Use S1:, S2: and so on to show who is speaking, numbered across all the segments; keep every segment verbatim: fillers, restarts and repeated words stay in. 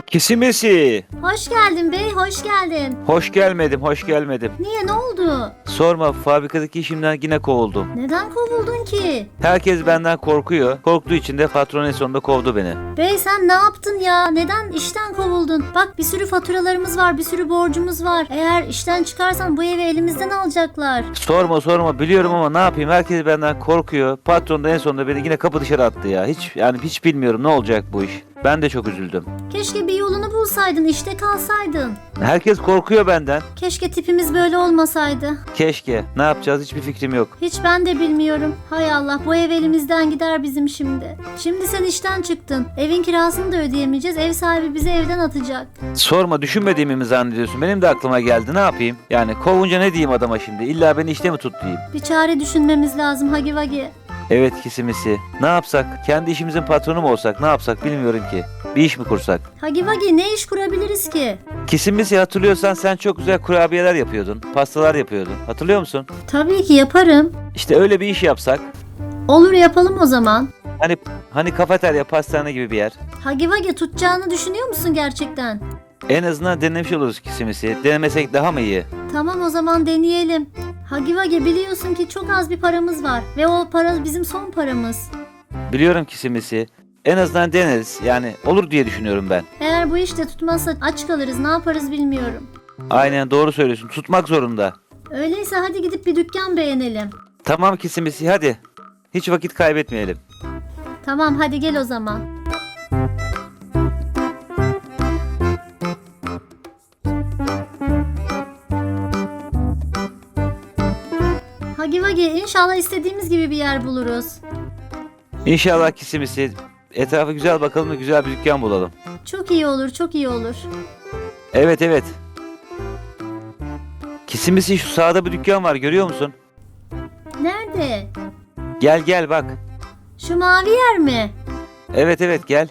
S1: Kisimesi.
S2: Hoş geldin bey, hoş geldin.
S1: Hoş gelmedim, hoş gelmedim.
S2: Niye, ne oldu?
S1: Sorma, fabrikadaki işimden yine kovuldum.
S2: Neden kovuldun ki?
S1: Herkes benden korkuyor. Korktuğu için de patron en sonunda kovdu beni.
S2: Bey sen ne yaptın ya? Neden işten kovuldun? Bak bir sürü faturalarımız var, bir sürü borcumuz var. Eğer işten çıkarsan bu evi elimizden alacaklar.
S1: Sorma sorma, biliyorum ama ne yapayım? Herkes benden korkuyor. Patron da en sonunda beni yine kapı dışarı attı ya. Hiç yani hiç bilmiyorum ne olacak bu iş. Ben de çok üzüldüm.
S2: Keşke bir yolunu bulsaydın, işte kalsaydın.
S1: Herkes korkuyor benden.
S2: Keşke tipimiz böyle olmasaydı.
S1: Keşke. Ne yapacağız hiçbir fikrim yok.
S2: Hiç ben de bilmiyorum. Hay Allah, bu ev elimizden gider bizim şimdi. Şimdi sen işten çıktın. Evin kirasını da ödeyemeyeceğiz. Ev sahibi bizi evden atacak.
S1: Sorma, düşünmediğimi mi zannediyorsun? Benim de aklıma geldi. Ne yapayım? Yani kovunca ne diyeyim adama şimdi? İlla beni işte mi tut diyeyim?
S2: Bir çare düşünmemiz lazım Hagi Vagi.
S1: Evet Kisimisi. Ne yapsak? Kendi işimizin patronu mu olsak? Ne yapsak bilmiyorum ki. Bir iş mi kursak?
S2: Hagi Vagi, ne iş kurabiliriz ki?
S1: Kisimisi, hatırlıyorsan sen çok güzel kurabiyeler yapıyordun. Pastalar yapıyordun. Hatırlıyor musun?
S2: Tabii ki yaparım.
S1: İşte öyle bir iş yapsak.
S2: Olur, yapalım o zaman.
S1: Hani hani kafeterya, pastane gibi bir yer.
S2: Hagi Vagi, tutacağını düşünüyor musun gerçekten?
S1: En azından denemiş oluruz Kisimisi. Denemesek daha mı iyi?
S2: Tamam, o zaman deneyelim. Hagi Vagi, biliyorsun ki çok az bir paramız var. Ve o para bizim son paramız.
S1: Biliyorum Kisimisi. En azından deneriz. Yani olur diye düşünüyorum ben.
S2: Eğer bu işte tutmazsa aç kalırız, ne yaparız bilmiyorum.
S1: Aynen doğru söylüyorsun. Tutmak zorunda.
S2: Öyleyse hadi gidip bir dükkan beğenelim.
S1: Tamam Kisimisi, hadi. Hiç vakit kaybetmeyelim.
S2: Tamam, hadi gel o zaman. Hagi Vagi, inşallah istediğimiz gibi bir yer buluruz.
S1: İnşallah Kisimisi. Etrafa güzel bakalım ve güzel bir dükkan bulalım.
S2: Çok iyi olur, çok iyi olur.
S1: Evet evet. Kisimisi, şu sağda bir dükkan var, görüyor musun?
S2: Nerede?
S1: Gel gel bak.
S2: Şu mavi yer mi?
S1: Evet evet gel.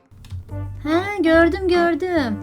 S2: He, gördüm gördüm.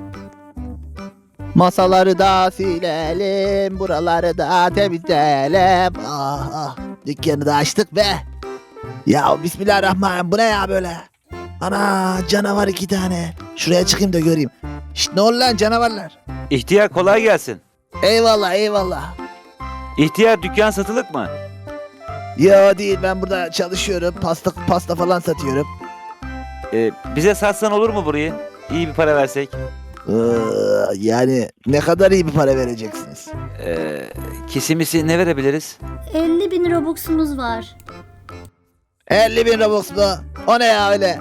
S3: Masaları da silelim, buraları da temizleyelim. Ah ah, dükkanı da açtık be. Ya bismillahirrahmanirrahim, bu ne ya böyle? Ana, canavar iki tane. Şuraya çıkayım da göreyim. Şşt, ne oldu lan canavarlar?
S1: İhtiyar, kolay gelsin.
S3: Eyvallah eyvallah.
S1: İhtiyar, dükkan satılık mı?
S3: Yo değil, ben burada çalışıyorum. Pasta pasta falan satıyorum.
S1: Ee, bize satsan olur mu burayı? İyi bir para versek.
S3: Ee, yani ne kadar iyi bir para vereceksiniz?
S1: Ee, Kisimisi, ne verebiliriz?
S2: elli bin robuxumuz var.
S3: elli bin Robux mu? O ne ya öyle?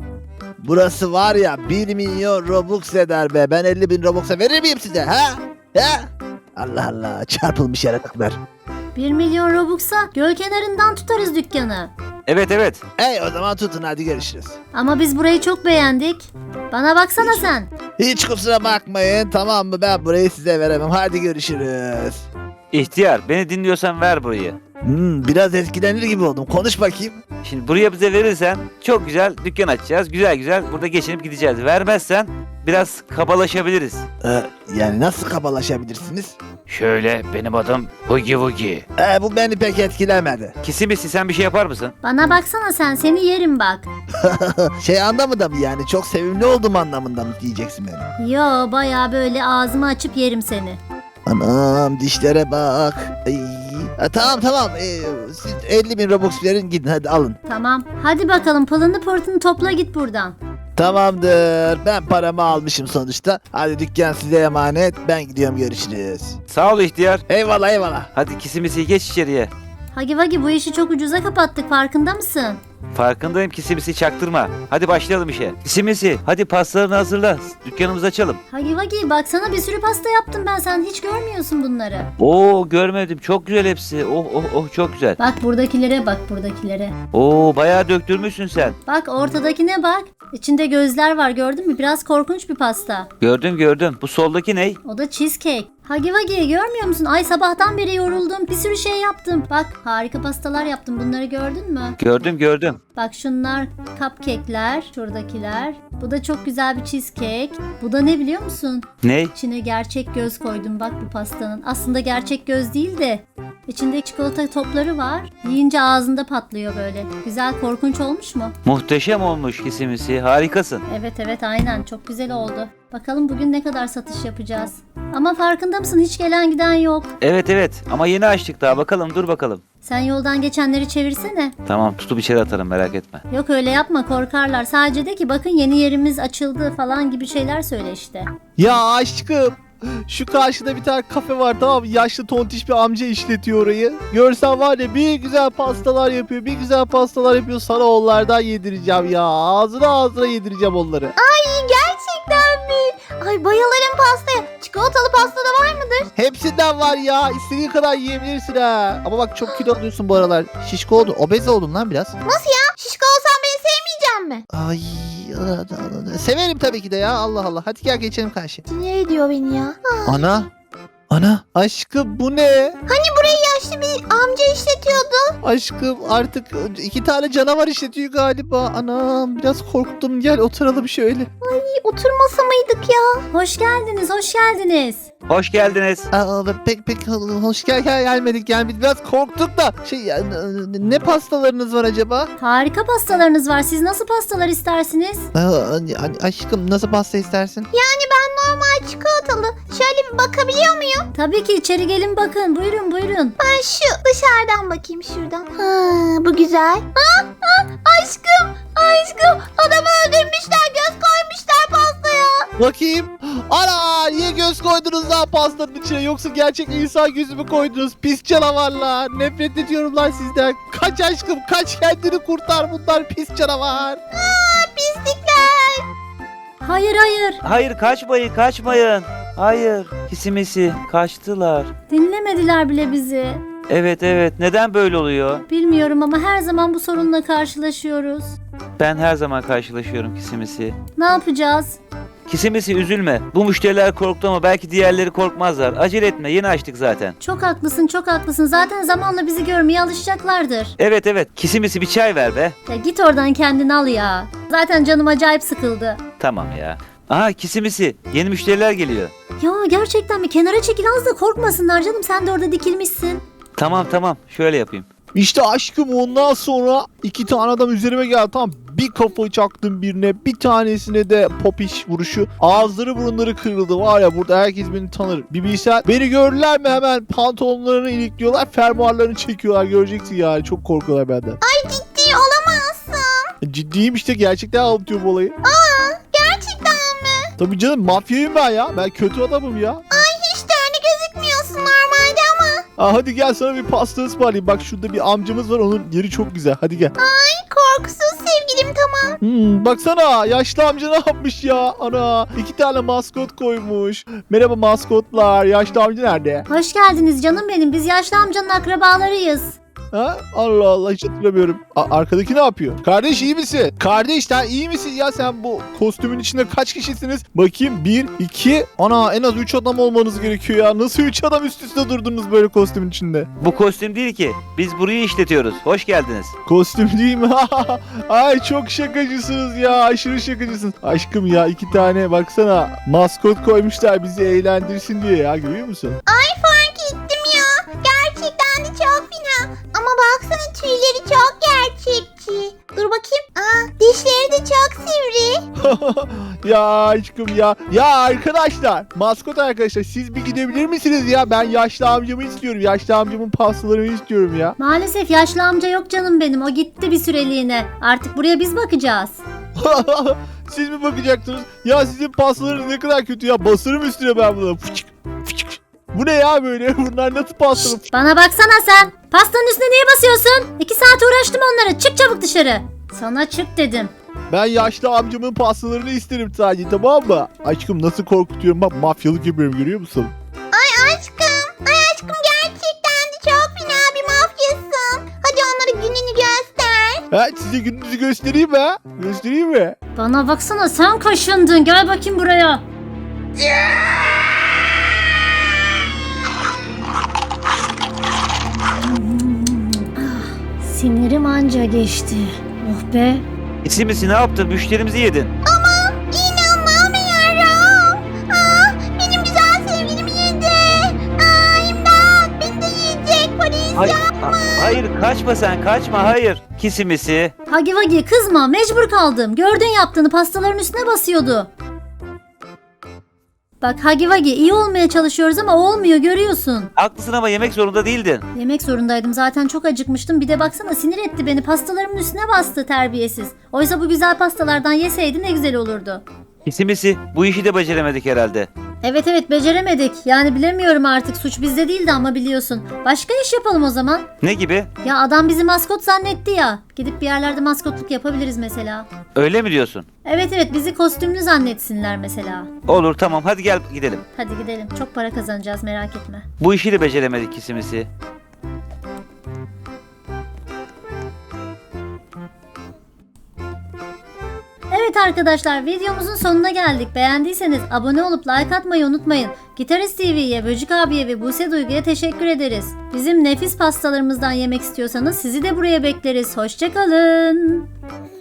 S3: Burası var ya, bir milyon Robux eder be. Ben elli bin Robux'a verir miyim size ha? Ha? Allah Allah, çarpılmış yaratıklar.
S2: bir milyon robux'a göl kenarından tutarız dükkanı.
S1: Evet evet.
S3: Ey o zaman tutun, hadi görüşürüz.
S2: Ama biz burayı çok beğendik. Bana baksana sen.
S3: Hiç kusura bakmayın, tamam mı, ben burayı size veremem. Hadi görüşürüz.
S1: İhtiyar, beni dinliyorsan ver burayı.
S3: Hmm, biraz etkilenir gibi oldum. Konuş bakayım.
S1: Şimdi buraya bize verirsen çok güzel dükkan açacağız. Güzel güzel burada geçinip gideceğiz. Vermezsen biraz kabalaşabiliriz.
S3: Ee, yani nasıl kabalaşabilirsiniz?
S1: Şöyle, benim adım Hugi Wugi.
S3: Ee, bu beni pek etkilemedi.
S1: Kisimisi, sen bir şey yapar mısın?
S2: Bana baksana sen, seni yerim bak.
S3: Şey anlamında mı yani? Çok sevimli oldum anlamında mı diyeceksin beni?
S2: Yo, baya böyle ağzımı açıp yerim seni.
S3: Anam, dişlere bak. Ay. Ha, tamam tamam. Ee, siz elli bin Robux verin, gidin hadi alın.
S2: Tamam, hadi bakalım pılını pırtını topla git buradan.
S3: Tamamdır. Ben paramı almışım sonuçta. Hadi dükkan size emanet. Ben gidiyorum, görüşürüz.
S1: Sağ ol ihtiyar.
S3: Eyvallah eyvallah.
S1: Hadi Kisimisi, geç içeriye.
S2: Hagi Vagi, bu işi çok ucuza kapattık, farkında mısın?
S1: Farkındayım Kisimisi, çaktırma. Hadi başlayalım işe. Kisimisi, hadi pastalarını hazırla. Dükkanımızı açalım.
S2: Hagi Vagi, baksana bir sürü pasta yaptım ben, sen hiç görmüyorsun bunları.
S1: Oo, görmedim. Çok güzel hepsi. Oh oh oh, çok güzel.
S2: Bak buradakilere bak, buradakilere.
S1: Oo, bayağı döktürmüşsün sen.
S2: Bak ortadakine bak. İçinde gözler var, gördün mü? Biraz korkunç bir pasta.
S1: Gördüm gördüm. Bu soldaki ne?
S2: O da cheesecake. Hagi Vagi, görmüyor musun? Ay, sabahtan beri yoruldum. Bir sürü şey yaptım. Bak, harika pastalar yaptım. Bunları gördün mü?
S1: Gördüm gördüm.
S2: Bak şunlar cupcake'ler. Şuradakiler. Bu da çok güzel bir cheesecake. Bu da ne biliyor musun?
S1: Ne?
S2: İçine gerçek göz koydum bak bu pastanın. Aslında gerçek göz değil de içinde çikolata topları var. Yiyince ağzında patlıyor böyle. Güzel, korkunç olmuş mu?
S1: Muhteşem olmuş Kisimisi. Harikasın.
S2: Evet evet, aynen, çok güzel oldu. Bakalım bugün ne kadar satış yapacağız. Ama farkında mısın, hiç gelen giden yok.
S1: Evet evet ama yeni açtık daha, bakalım dur bakalım.
S2: Sen yoldan geçenleri çevirsene.
S1: Tamam, tutup içeri atarım, merak etme.
S2: Yok öyle yapma, korkarlar. Sadece de ki bakın yeni yerimiz açıldı falan gibi şeyler söyle işte.
S3: Ya aşkım. Şu karşıda bir tane kafe var, tamam mı? Yaşlı tontiş bir amca işletiyor orayı. Görsen var ya, bir güzel pastalar yapıyor. Bir güzel pastalar yapıyor. Sana onlardan yedireceğim ya. Ağzına ağzına yedireceğim onları.
S4: Ay gerçekten mi? Ay bayılırım pastaya. Çikolatalı pasta da var mıdır?
S3: Hepsinden var ya. İstediğin kadar yiyebilirsin ha. Ama bak çok kilo alıyorsun bu aralar. Şişko oldun. Obez oldun lan biraz.
S4: Nasıl ya? Şişko olsam beni sevmeyecek mi?
S3: Ay. Severim tabii ki de ya. Allah Allah. Hadi gel geçelim karşıya.
S4: Sinir ediyor beni ya.
S3: Ana. Ana. Aşkım bu ne?
S4: Hani burayı yaşlı bir amca işletiyordu.
S3: Aşkım artık iki tane canavar işletiyor galiba. Anam biraz korktum. Gel oturalım şöyle.
S4: Ay oturmasa mıydık ya?
S2: Hoş geldiniz, hoş geldiniz.
S1: Hoş geldiniz.
S3: Aa, pek pek hoş gel gel gelmedik gelmedik. Biraz korktuk da. Şey ya, ne pastalarınız var acaba?
S2: Harika pastalarınız var. Siz nasıl pastalar istersiniz?
S3: Aa, aşkım nasıl pasta istersin?
S4: Yani ben normal çikolatalı. Şöyle bir bakabiliyor muyum?
S2: Tabii ki, içeri gelin bakın. Buyurun buyurun.
S4: Ben şu dışarıdan bakayım şuradan. Ha, bu güzel. Ha, ha, aşkım, aşkım. Adamı öldürmüşler, göz koymuşlar pastaya.
S3: Bakayım. Ana niye göz koydunuz lan pastanın içine? Yoksa gerçek insan gözü mü koydunuz? Pis canavarlar. Nefret ediyorum lan sizden. Kaç aşkım kaç, kendini kurtar, bunlar pis canavar.
S4: Aa, pislikler.
S2: Hayır hayır.
S1: Hayır, kaçmayın kaçmayın. Hayır, kisimisi kaçtılar.
S2: Dinlemediler bile bizi.
S1: Evet evet, neden böyle oluyor?
S2: Bilmiyorum ama her zaman bu sorunla karşılaşıyoruz.
S1: Ben her zaman karşılaşıyorum kisimisi.
S2: Ne yapacağız?
S1: Kisimisi üzülme. Bu müşteriler korktu ama belki diğerleri korkmazlar. Acele etme, yeni açtık zaten.
S2: Çok haklısın, çok haklısın. Zaten zamanla bizi görmeye alışacaklardır.
S1: Evet evet, kisimisi bir çay ver be.
S2: Ya git oradan kendini al ya. Zaten canım acayip sıkıldı.
S1: Tamam ya. Aha kisimisi, yeni müşteriler geliyor.
S2: Ya gerçekten mi? Kenara çekil, az da korkmasınlar canım. Sen de orada dikilmişsin.
S1: Tamam tamam, şöyle yapayım.
S3: İşte aşkım ondan sonra iki tane adam üzerime geldi, tamam, bir kafa çaktım birine, bir tanesine de popiş vuruşu, ağızları burunları kırıldı, var ya burada herkes beni tanır, bir bilsen. Beni gördüler mi hemen pantolonlarını ilikliyorlar, fermuarlarını çekiyorlar, göreceksin yani, çok korkuyorlar benden.
S4: Ay ciddi olamazsın.
S3: Ciddiyim işte, gerçekten anlatıyorum olayı.
S4: Aa, gerçekten mi?
S3: Tabii canım, mafyayım ben ya, ben kötü adamım ya.
S4: Ay hiç de öyle gözükmüyorsun normalde ama.
S3: Aa, hadi gel sana bir pasta ısmarlayayım, bak şurada bir amcamız var, onun yeri çok güzel, hadi gel.
S4: Ay korkusuz sevgilim tamam.
S3: Hmm, baksana yaşlı amca ne yapmış ya, ana iki tane maskot koymuş. Merhaba maskotlar, yaşlı amca nerede?
S2: Hoş geldiniz canım benim. Biz yaşlı amcanın akrabalarıyız.
S3: Ha? Allah Allah, hiç hatırlamıyorum. A- arkadaki ne yapıyor? Kardeş iyi misin? Kardeş sen iyi misin ya, sen bu kostümün içinde kaç kişisiniz? Bakayım bir, iki, ana en az üç adam olmanız gerekiyor ya. Nasıl üç adam üst üste durdunuz böyle kostümün içinde?
S1: Bu kostüm değil ki. Biz burayı işletiyoruz. Hoş geldiniz.
S3: Kostüm değil mi? Ay çok şakacısınız ya, aşırı şakacısınız. Aşkım ya, iki tane baksana maskot koymuşlar bizi eğlendirsin diye ya, görüyor musun?
S4: Ay fark ettim ya. Gerçekten de çok fena. Ama baksana tüyleri çok gerçekçi. Dur bakayım. Aa dişleri de çok sivri.
S3: Ya aşkım ya. Ya arkadaşlar, maskot arkadaşlar, siz bir gidebilir misiniz ya? Ben yaşlı amcamı istiyorum. Yaşlı amcamın pastalarını istiyorum ya.
S2: Maalesef yaşlı amca yok canım benim. O gitti bir süreliğine. Artık buraya biz bakacağız.
S3: Siz mi bakacaksınız? Ya sizin pastalarınız ne kadar kötü ya. Basarım üstüne ben bunu. Fıçık, fıçık. Bu ne ya böyle? Bunlar nasıl pasta?
S2: Bana baksana sen. Pastanın üstüne niye basıyorsun? İki saat uğraştım onlara. Çık çabuk dışarı. Sana çık dedim.
S3: Ben yaşlı amcamın pastalarını isterim sadece, tamam mı? Aşkım nasıl korkutuyorum, bak mafyalık yapıyorum, görüyor musun?
S4: Ay aşkım. Ay aşkım gerçekten de çok fena bir mafyasın. Hadi onlara gününü göster.
S3: Ha, size gününüzü göstereyim mi ha? Göstereyim mi?
S2: Bana baksana, sen kaşındın. Gel bakayım buraya. Sinirim anca geçti. Oh be.
S1: Kisimisi ne yaptın? Müşterimizi yedin.
S4: İnanamıyorum. Aa, benim güzel sevgilimi yedi. Aa, imdat beni de yiyecek polis.
S1: Hayır, ha- hayır kaçma sen, kaçma, hayır. Kisimisi.
S2: Hagi Vagi kızma, mecbur kaldım. Gördün yaptığını, pastaların üstüne basıyordu. Bak Hagi Vagi iyi olmaya çalışıyoruz ama olmuyor görüyorsun.
S1: Haklısın ama yemek zorunda değildin.
S2: Yemek zorundaydım zaten çok acıkmıştım. Bir de baksana sinir etti beni. Pastalarımın üstüne bastı terbiyesiz. Oysa bu güzel pastalardan yeseydi ne güzel olurdu.
S1: Kisimisi bu işi de beceremedik herhalde.
S2: Evet evet beceremedik. Yani bilemiyorum artık suç bizde değildi ama biliyorsun. Başka iş yapalım o zaman.
S1: Ne gibi?
S2: Ya adam bizi maskot zannetti ya. Gidip bir yerlerde maskotluk yapabiliriz mesela.
S1: Öyle mi diyorsun?
S2: Evet evet bizi kostümlü zannetsinler mesela.
S1: Olur tamam hadi gel gidelim.
S2: Hadi gidelim. Çok para kazanacağız merak etme.
S1: Bu işi de beceremedik Kisimisi.
S2: Evet arkadaşlar videomuzun sonuna geldik. Beğendiyseniz abone olup like atmayı unutmayın. Gitarist T V'ye, Böcük abiye ve Buse Duygu'ya teşekkür ederiz. Bizim nefis pastalarımızdan yemek istiyorsanız sizi de buraya bekleriz. Hoşçakalın.